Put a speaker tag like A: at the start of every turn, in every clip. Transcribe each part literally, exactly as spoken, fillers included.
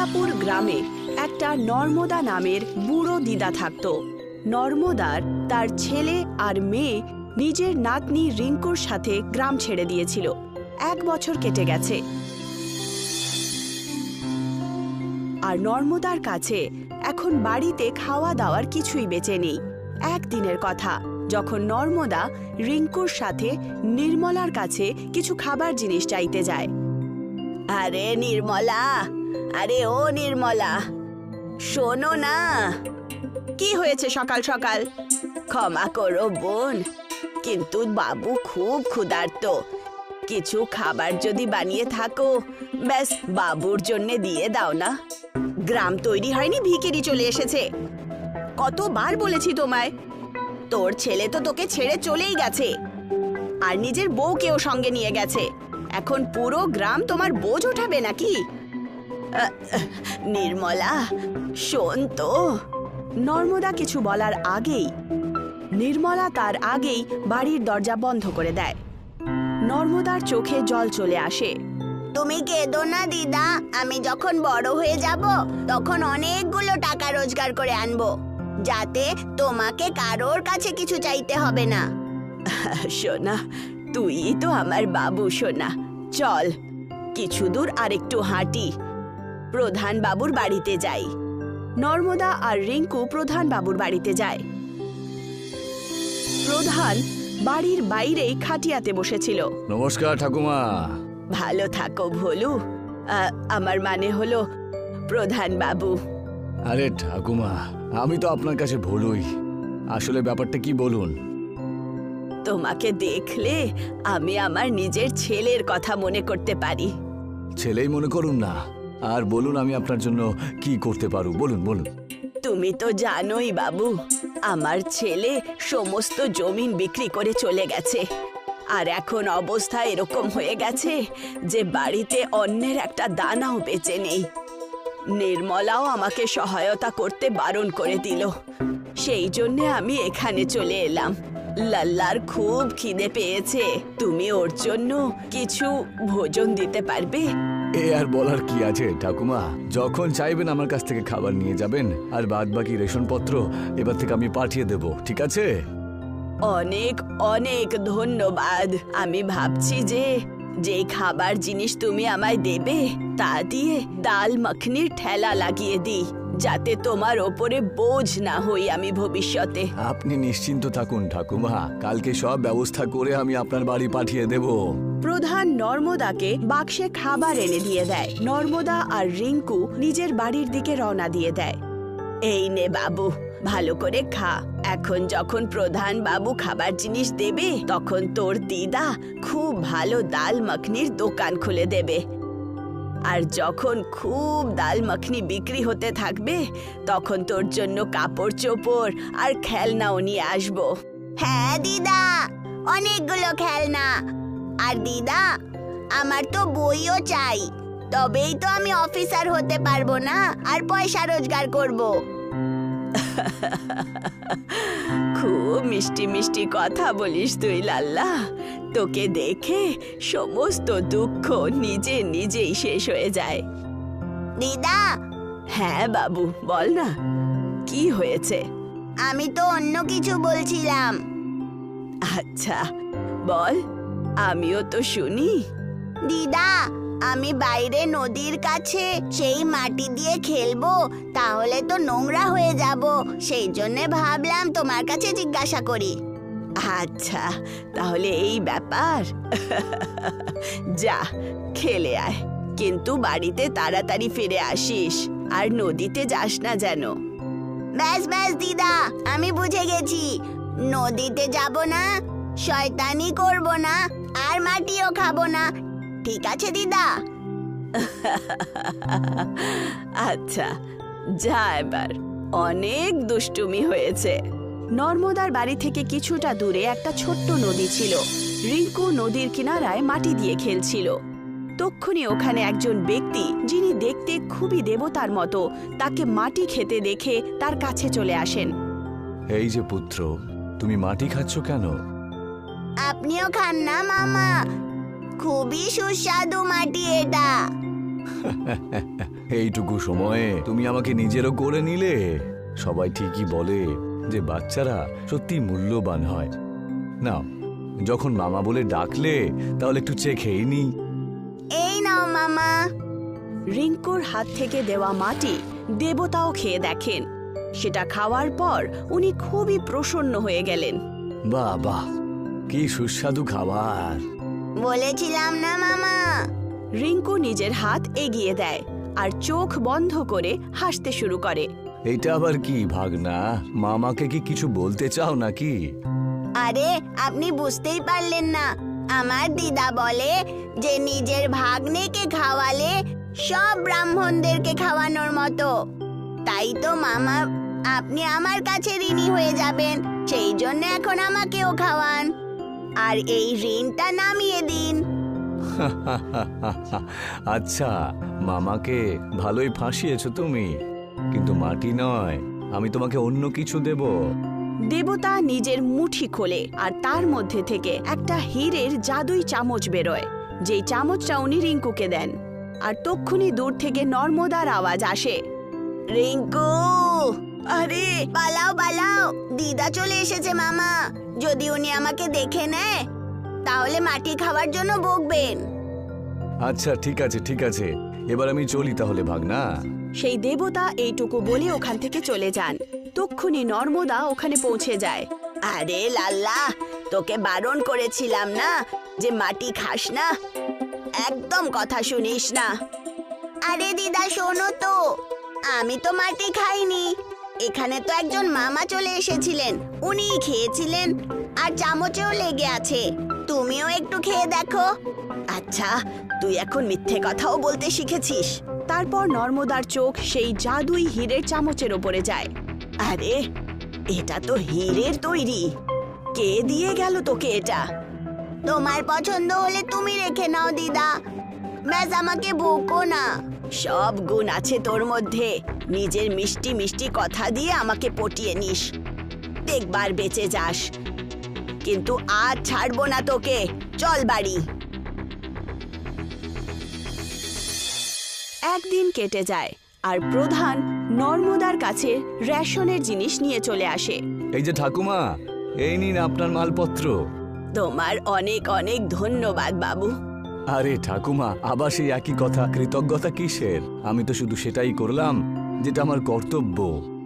A: মিঠাপুর গ্রামে একটা নর্মদা নামের বুড়ো দিদা থাকত। নর্মদার তার ছেলে আর মেয়ে নিজের নাতনি রিঙ্কুর সাথে গ্রাম ছেড়ে দিয়েছিল। এক বছর কেটে গেছে, আর নর্মদার কাছে এখন বাড়িতে খাওয়া দাওয়ার কিছুই বেঁচে নেই। একদিনের কথা, যখন নর্মদা রিঙ্কুর সাথে নির্মলার কাছে কিছু খাবার জিনিস চাইতে যায়। আরে নির্মলা, আরে ও নির্মলা, শোনো না। কি হয়েছে সকাল সকাল? ক্ষমা করো বোন, কিন্তু বাবু খুব ক্ষুধার্ত। কিছু খাবার যদি বানিয়ে থাকো, ব্যাস বাবুর জন্য দিয়ে দাও না। গ্রাম তৈরি হয়নি, ভিখিরি চলে এসেছে। কতবার বলেছি তোমায়, তোর ছেলে তো তোকে ছেড়ে চলেই গেছে, আর নিজের বউকেও সঙ্গে নিয়ে গেছে। এখন পুরো গ্রাম তোমার বোঝ ওঠাবে নাকি? নির্মলা শোন তো। নর্মদা কিছু বলার আগেই নির্মলা তার আগেই বাড়ির দরজা বন্ধ করে দেয়। নর্মদার চোখে জল চলে আসে। তুমি কেঁদো না দিদা, আমি যখন বড় হয়ে যাব তখন অনেকগুলো টাকা রোজগার করে আনবো, যাতে তোমাকে কারোর কাছে কিছু চাইতে হবে না। সোনা, তুই তো আমার বাবু সোনা। চল কিছু দূর আরেকটু হাঁটি, প্রধান বাবুর বাড়িতে যাই। নর্মদা আর রিঙ্কু প্রধান বাবুর বাড়িতে যায়। প্রধান বাড়ির বাইরেই খাটিয়াতে বসেছিল।
B: নমস্কার ঠাকুমা।
A: ভালো থাকো ভোলু। আমার মানে হলো প্রধান বাবু।
B: আরে ঠাকুমা, আমি তো আপনার কাছে ভুলুই। আসলে ব্যাপারটা কি বলুন?
A: তোমাকে দেখলে আমি আমার নিজের ছেলের কথা মনে করতে পারি।
B: ছেলেই মনে করুন না, আর বলুন আমি আপনার জন্য কি করতে পারু, বলুন বলুন।
A: তুমি তো জানোই বাবু, আমার ছেলে সমস্ত জমিন বিক্রি করে চলে গেছে, আর এখন অবস্থা এরকম হয়ে গেছে যে বাড়িতে অন্যের একটা দানাও বেঁচে নেই। নির্মলাও আমাকে সহায়তা করতে বারণ করে দিল, সেই জন্য আমি এখানে চলে এলাম। লাল্লার খুব খিদে পেয়েছে, তুমি ওর জন্য কিছু ভোজন দিতে পারবে?
B: এ আর বলার কি আছে ঠাকুমা, যখন চাইবেন আমার কাছ থেকে খাবার নিয়ে যাবেন, আর বাদ বাকি রেশনপত্র এবার থেকে আমি পাঠিয়ে দেব, ঠিক আছে?
A: অনেক অনেক ধন্যবাদ। আমি ভাবছি যে যে খাবার জিনিস তুমি আমায় দেবে তা দিয়ে ডাল মাখনির ঠেলা লাগিয়ে দিই, যাতে তোমার ওপরে বোঝ না হই আমি ভবিষ্যতে।
B: আপনি নিশ্চিন্ত থাকুন ঠাকুমা, কালকে সব ব্যবস্থা করে আমি আপনার বাড়ি পাঠিয়ে দেব।
A: প্রধান নর্মদাকে বাক্সে খাবার এনে দিয়ে দেয়। নর্মদা আর রিঙ্কু নিজের বাড়ির দিকে রওনা দিয়ে দেয়। এই নে বাবু, ভালো করে খা। এখন যখন প্রধান বাবু খাবার জিনিস দেবে, তখন তোর দিদা খুব ভালো ডাল মাখনির দোকান খুলে দেবে, আর যখন খুব ডাল মাখনি বিক্রি হতে থাকবে, তখন তোর জন্য কাপড় চোপড় আর খেলনাও নিয়ে আসবো। হ্যাঁ দিদা, অনেকগুলো খেলনা। আর দিদা, আমার তো বইও চাই, তবেই তো আমি অফিসার হতে পারবো না আর পয়সা রোজগার করব। খুব মিষ্টি মিষ্টি কথা বলিস তুই লাল্লা। তোকে দেখে সমস্ত দুঃখ নিজে নিজেই শেষ হয়ে যায়। দিদা। হ্যাঁ বাবু, বল না, কি হয়েছে? আমি তো অন্য কিছু বলছিলাম। আচ্ছা বল, আমিও তো শুনি। দিদা, আমি বাইরে নদীর কাছে সেই মাটি দিয়ে খেলবো, তাহলে তো নোংরা হয়ে যাব, সেই জন্য ভাবলাম তোমার কাছে জিজ্ঞাসা করি। আচ্ছা, তাহলে এই ব্যাপার। যা খেলে আয়, কিন্তু বাড়িতে তাড়াতাড়ি ফিরে আসিস, আর নদীতে যাস না যেন। ব্যাস ব্যাস দিদা, আমি বুঝে গেছি। নদীতে যাব না, শয়তানি করব না, আর মাটিও খাবো না। ঠিক আছে দিদা? আচ্ছা যা, এবার অনেক দুষ্টুমি হয়েছে। নর্মদার বাড়ি থেকে কিছুটা দূরে একটা ছোট্ট নদী ছিল। রিঙ্কু নদীর কিনারায় মাটি দিয়ে খেলছিল। তক্ষুনি ওখানে একজন ব্যক্তি, যিনি দেখতে খুবই দেবতার মতো, তাকে মাটি খেতে দেখে তার কাছে চলে আসেন।
B: এই যে পুত্র, তুমি মাটি খাচ্ছ কেন?
A: আপনিও খান না মামা, খুবই সুস্বাদু মাটি এটা।
B: এইটুকু সময়ে তুমি আমাকে নিজেরও করে নিলে। সবাই ঠিকই বলে যে বাচ্চারা সত্যি মূল্যবান হয়। নাও, যখন মামা বলে ডাকলে তাহলে একটু চেয়ে খেয়ে নি।
A: এই নাও মামা। রিঙ্কুর হাত থেকে দেওয়া মাটি দেবতাও খেয়ে দেখেন। সেটা খাওয়ার পর উনি খুবই প্রসন্ন হয়ে গেলেন।
B: বাহ বাহ, কি সুস্বাদু খাবার।
A: বলেছিলাম না মামা। রিঙ্কু নিজের হাত এগিয়ে দেয় আর চোখ বন্ধ করে হাসতে শুরু করে।
B: এটা আবার কি ভাগনা? মামাকে কি কিছু বলতে চাও নাকি?
A: আরে আপনি বুঝতেই পারলেন না। আমার দিদা বলে যে নিজের ভাগ্নেকে খাওয়ালে সব ব্রাহ্মণদেরকে খাওয়ানোর মতো। তাই তো মামা, আপনি আমার কাছে ঋণী হয়ে যাবেন। সেই জন্য এখন আমাকেও খাওয়ান আর এই ঋণটা নামিয়ে দিন।
B: আচ্ছা, মামাকে ভালোই ফাঁসিয়েছো তুমি, কিন্তু মাটি নয়, আমি তোমাকে অন্য কিছু দেব।
A: দেবতা নিজের মুঠি খোলে আর তার মধ্যে থেকে একটা হীরের জাদুই চামচ বেরোয়। যেই চামচটা উনি রিঙ্কুকে দেন আর তক্ষুনি দূর থেকে নর্মদার আওয়াজ আসে, রিঙ্কু, আরে পালাও পালাও, দিদা চলে এসেছে মামা। যদি উনি আমাকে দেখে নেয় তাহলে মাটি খাওয়ার জন্য বকবেন।
B: আচ্ছা ঠিক আছে ঠিক আছে, এবার আমি চলি তাহলে ভাগনা।
A: সেই দেবতা এইটুকু বলে ওখান থেকে চলে যান। তক্ষুনি নর্মদা ওখানে পৌঁছে যায়। আরে লাল্লা, তোকে বারণ করেছিলাম না যে মাটি খাস না, একদম কথা শুনিস না। আরে দিদা শোনো তো, আমি তো মাটি খাইনি। এখানে তো একজন মামা চলে এসেছিলেন, উনিই খেয়েছিলেন আর চামচেও লেগে আছে। তুমিও একটু খেয়ে দেখো। আচ্ছা, তুই এখন মিথ্যে কথাও বলতে শিখেছিস। তারপর নর্মদার চোখ সেই জাদুই হীরের চামচের ওপরে যায়। আরে এটা তো হীরের তৈরি। কে দিয়ে গেল তোকে এটা? তোমার পছন্দ হলে তুমি রেখে নাও দিদা, ব্যাস আমাকে বকো না। সব গুণ আছে তোর মধ্যে, নিজের মিষ্টি মিষ্টি কথা দিয়ে আমাকে পটিয়ে নিস। দেখবার বেঁচে যাস, কিন্তু আজ ছাড়বো না তোকে। চল বাড়ি। একদিন কেটে যায় আর প্রধান নর্মদার কাছে রেশনের জিনিস নিয়ে চলে আসে।
B: এই যে ঠাকুমা, এই নিন আপনার মালপত্র।
A: তোমার অনেক অনেক ধন্যবাদ বাবু।
B: আরে ঠাকুমা, আবার সেই একই কথা, কৃতজ্ঞতা কিসের? আমি তো শুধু সেটাই করলাম যেটা আমার কর্তব্য।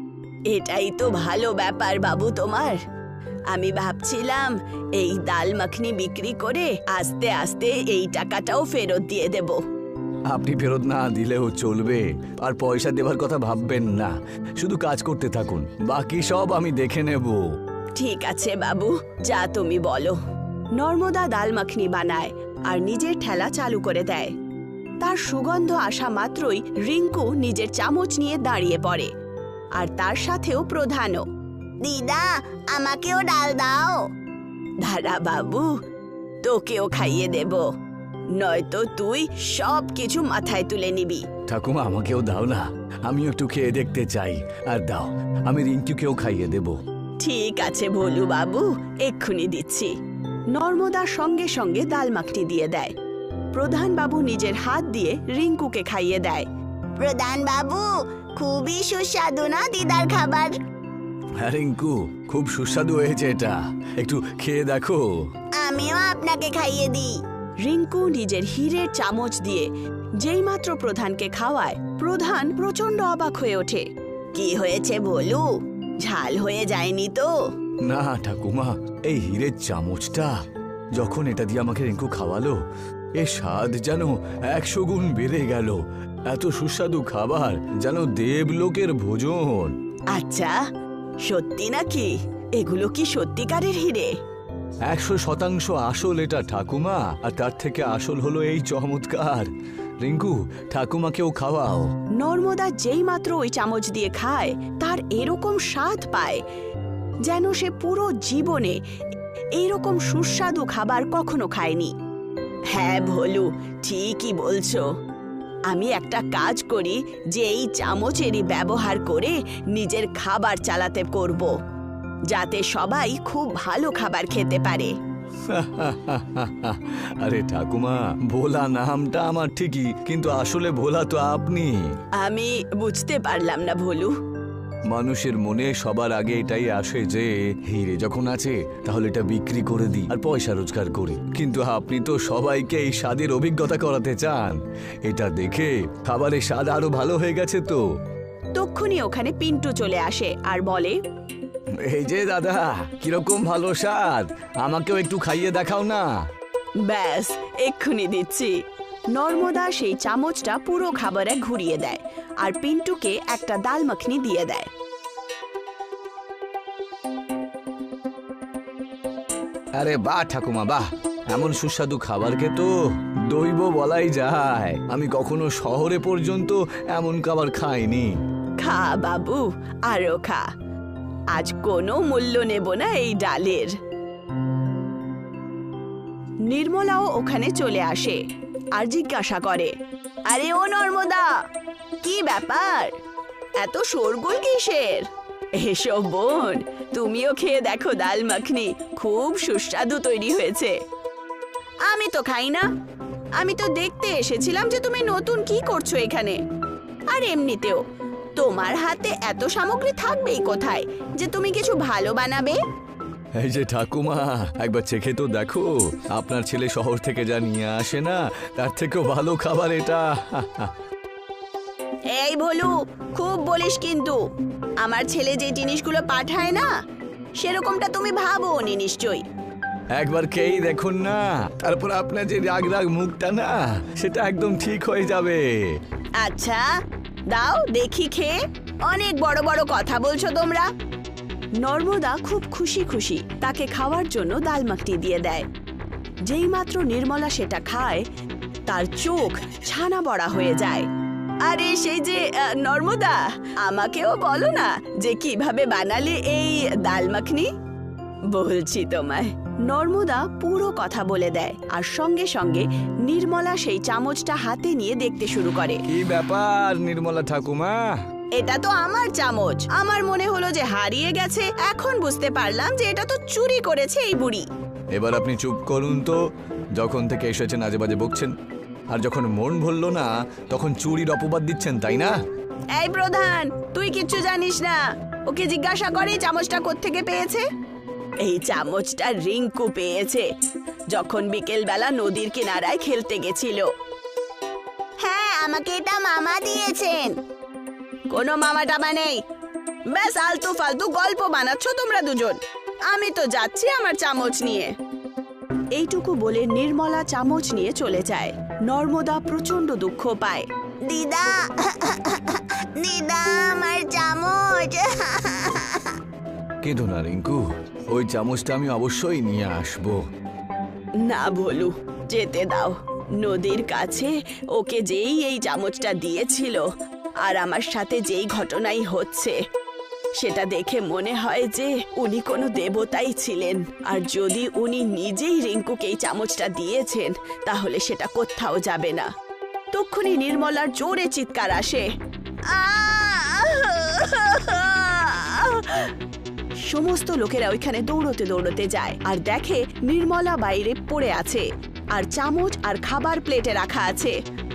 A: এটাই তো ভালো ব্যাপার বাবু তোমার। আমি ভাবছিলাম এই ডাল মাখনি বিক্রি করে আস্তে আস্তে এই টাকাটাও ফেরত দিয়ে দেব।
B: আপনি ফেরত না দিলেও চলবে, আর পয়সা দেবার কথা ভাববেন না। শুধু কাজ করতে থাকুন, বাকি সব আমি দেখে নেব।
A: ঠিক আছে বাবু, যা তুমি বলো। নর্মদা ডাল মাখনি বানায় আর নিজের ঠেলা চালু করে দেয়। তার সুগন্ধ আসা মাত্রই রিঙ্কু নিজের চামচ নিয়ে দাঁড়িয়ে পড়ে, আর তার সাথেও প্রধানও। দিদা, আমাকেও ডাল দাও। দাঁড়া বাবু, তোকেও খাইয়ে দেব, নয়তো তুই সব কিছু মাথায় তুলে নিবি।
B: ঠাকুমা, আমাকেও দাও না, আমি একটু খেয়ে দেখতে চাই। আর দাও, আমি রিঙ্কুকেও খাইয়ে দেব।
A: ঠিক আছে ভোলু বাবু, এক্ষুনি দিচ্ছি। নর্মদা সঙ্গে সঙ্গে ডাল মাখনি দিয়ে দেয়। প্রধান বাবু নিজের হাত দিয়ে রিঙ্কুকে খাইয়ে দেয়। প্রধান বাবু, খুবই সুস্বাদু না দিদার খাবার?
B: হ্যাঁ রিঙ্কু, খুব সুস্বাদু হয়েছে এটা, একটু খেয়ে দেখো।
A: আমিও আপনাকে খাইয়ে দিই। রিঙ্কু নিজের হীরের চামচ দিয়ে যেই মাত্র প্রধানকে খাওয়ায়, প্রধান প্রচন্ড অবাক হয়ে ওঠে। কি হয়েছে ভোলু, ঝাল হয়ে যায়নি তো?
B: না ঠাকুমা, এই হীরের চামচটা যখন এটা দিয়ে আমাকে রিঙ্কু খাওয়ালো, এর স্বাদ যেন একশো গুণ বেড়ে গেল। এত সুস্বাদু খাবার, যেন দেবলোকের ভোজন।
A: আচ্ছা, সত্যি নাকি? এগুলো কি সত্যিকারের হীরে?
B: একশো শতাংশ আসল এটা ঠাকুমা, আর তার থেকে আসল হলো এই চমৎকার। রিঙ্কু, ঠাকুমাকেও খাওয়াও।
A: নর্মদা যেই মাত্র ওই চামচ দিয়ে খায়, তার এরকম স্বাদ পায় যেন সে পুরো জীবনে এইরকম সুস্বাদু খাবার কখনো খায়নি। হ্যাঁ ভোলু, ঠিকই বলছো। আমি একটা কাজ করি যে এই চামচেরই ব্যবহার করে নিজের খাবার চালাতে করব, যাতে সবাই খুব ভালো খাবার খেতে পারে।
B: আরে ঠাকুমা, ভোলা নামটা আমার ঠিকই, কিন্তু আসলে ভোলা তো আপনি।
A: আমি বুঝতে পারলাম না ভোলু।
B: মানুষের মনে সবার আগে এটাই আসে যে হিরে যখন আছে তাহলে এটা বিক্রি করে দিই আর পয়সা রোজগার করি, কিন্তু আপনি তো সবাইকে এই স্বাদের অভিজ্ঞতা করাতে চান। এটা দেখে খাবারের স্বাদ আরো ভালো হয়ে গেছে তো।
A: তক্ষুনি ওখানে পিন্টু চলে আসে আর বলে,
B: এই যে দাদা, কিরকম ভালো স্বাদ, আমাকেও একটু খাইয়ে দেখাও না।
A: ব্যাস এক্ষুনি দিচ্ছি। নর্মদা সেই চামচটা পুরো খাবারে ঘুরিয়ে দেয় আর পিন্টুকে একটা ডাল মাখনি দিয়ে দেয়।
B: আরে বাহ ঠাকুমা বাহ, এমন সুস্বাদু খাবারকে তো দৈব বলাই যায়। আমি কখনো শহরে পর্যন্ত এমন খাবার খাইনি।
A: খা বাবু, আরো খা। আজ কোনো মূল্য নেব না এই ডালের। নির্মলাও ওখানে চলে আসে আর জিজ্ঞাসা করে, আরে ও নর্মদা, কি ব্যাপার, এত শোরগোল কিসের? এসো বোন, তুমিও খেয়ে দেখো ডাল মাখনি, খুব সুস্বাদু তৈরি হয়েছে। আমি তো খাই না, আমি তো দেখতে এসেছিলাম যে তুমি নতুন কি করছো এখানে। আর এমনিতেও তোমার হাতে এত সামগ্রী থাকবেই কোথায় যে তুমি কিছু ভালো বানাবে?
B: এই যে ঠাকুমা, একবার চেখে তো দেখো, আপনার ছেলে শহর থেকে যা নিয়ে আসে না তার থেকেও ভালো খাবার এটা।
A: এই ভোলু, খুব বলিস কিন্তু। আমার ছেলে যে জিনিসগুলো পাঠায় না সেরকমটা তুমি ভাবো নি নিশ্চয়ই।
B: একবার খেয়েই দেখুন না, তারপর আপনার যে রাগ রাগ মুখটা না সেটা একদম ঠিক হয়ে যাবে।
A: আচ্ছা দাও দেখি খেয়ে, অনেক বড় বড় কথা বলছো তোমরা। নর্মদা খুব খুশি খুশি তাকে খাওয়ার জন্য ডাল মাখনি দিয়ে দেয়। যেই মাত্র নির্মলা সেটা খায় তার চোখ ছানা বড়া হয়ে যায়। আরে সেই যে আহ, নর্মদা, আমাকেও বলো না যে কিভাবে বানালে এই ডাল মাখনি। বলছি তোমায়। নর্মদা পুরো কথা বলে দেয় আর সঙ্গে সঙ্গে নির্মলা সেই চামচটা হাতে নিয়ে দেখতে শুরু করে।
B: কি ব্যাপার নির্মলা ঠাকুমা?
A: এটা তো আমার চামচ, আমার মনে হলো যে হারিয়ে গেছে, এখন বুঝতে পারলাম যে এটা তো চুরি করেছে এই বুড়ি।
B: এবার আপনি চুপ করুন তো, যখন থেকে এসেছেন আজে বাজে বকছেন, আর যখন মন ভরল না তখন চুরির অপবাদ দিচ্ছেন, তাই না?
A: এই প্রধান, তুই কিচ্ছু জানিস না। ওকে জিজ্ঞাসা করে চামচটা কোত্থেকে পেয়েছে। এই চামচটা রিঙ্কু পেয়েছে যখন বিকেল বেলা নদীর কিনারায় খেলতে গেছিল। হ্যাঁ, আমাকে এটা মামা দিয়েছেন। কোনো মামা টামা নেই, ব্যাস আলতু ফালতু গল্প বানাচ্ছ তোমরা দুজন। আমি তো যাচ্ছি আমার চামচ নিয়ে। এইটুকু বলে নির্মলা চামচ নিয়ে চলে যায়। নর্মদা প্রচন্ড দুঃখ পায়। দিদা, দিদা, আমার চামচ।
B: কেঁদো না রিঙ্কু, ওই চামচটা আমি অবশ্যই নিয়ে আসবো।
A: না ভোলু, যেতে দাও। নদীর কাছে ওকে যেই এই চামচটা দিয়েছিল আর আমার সাথে যেই ঘটনাই হচ্ছে সেটা দেখে মনে হয় যে উনি কোনো দেবতাই ছিলেন। আর যদি উনি নিজেই রিঙ্কুকে এই চামচটা দিয়েছেন তাহলে সেটা কোথাও যাবে না। তক্ষুনি নির্মলার জোরে চিৎকার আসে। সমস্ত লোকেরা ওইখানে দৌড়তে দৌড়তে যায় আর দেখে নির্মলা বাইরে পড়ে আছে আর চামচ আর খাবার প্লেটে রাখা আছে।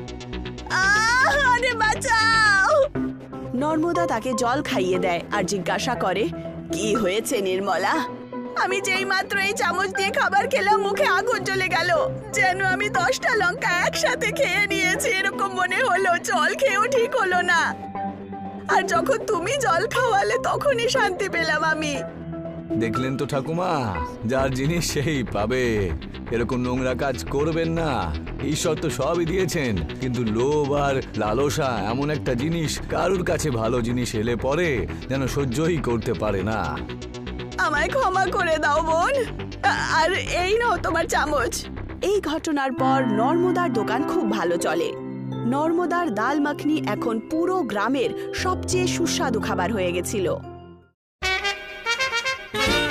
A: আরে বাঁচাও! নর্মদা তাকে জল খাইয়ে দেয় আর জিজ্ঞাসা করে, কি হয়েছে নির্মলা? আমি যেই মাত্র এই চামচ দিয়ে খাবার খেলাম মুখে আগুন জ্বলে গেল, যেন আমি দশটা লঙ্কা একসাথে খেয়ে নিয়েছি এরকম মনে হলো। জল খেয়েও ঠিক হলো না, আর যখন তুমি জল খাওয়ালে তখনই শান্তি পেলাম আমি।
B: দেখলেন তো ঠাকুমা, যার জিনিস সেই পাবে। এরকম নোংরা কাজ করবেন না। ঈশ্বর তো সবই দিয়েছেন, কিন্তু লোভ আর লালসা এমন একটা জিনিস, কারুর কাছে ভালো জিনিস এলে পরে যেন সহ্যই করতে পারে না।
A: আমায় ক্ষমা করে দাও বোন, আর এই নাও তোমার চামচ। এই ঘটনার পর নর্মদার দোকান খুব ভালো চলে। নর্মদার ডাল মাখনি এখন পুরো গ্রামের সবচেয়ে সুস্বাদু খাবার হয়ে গেছিল।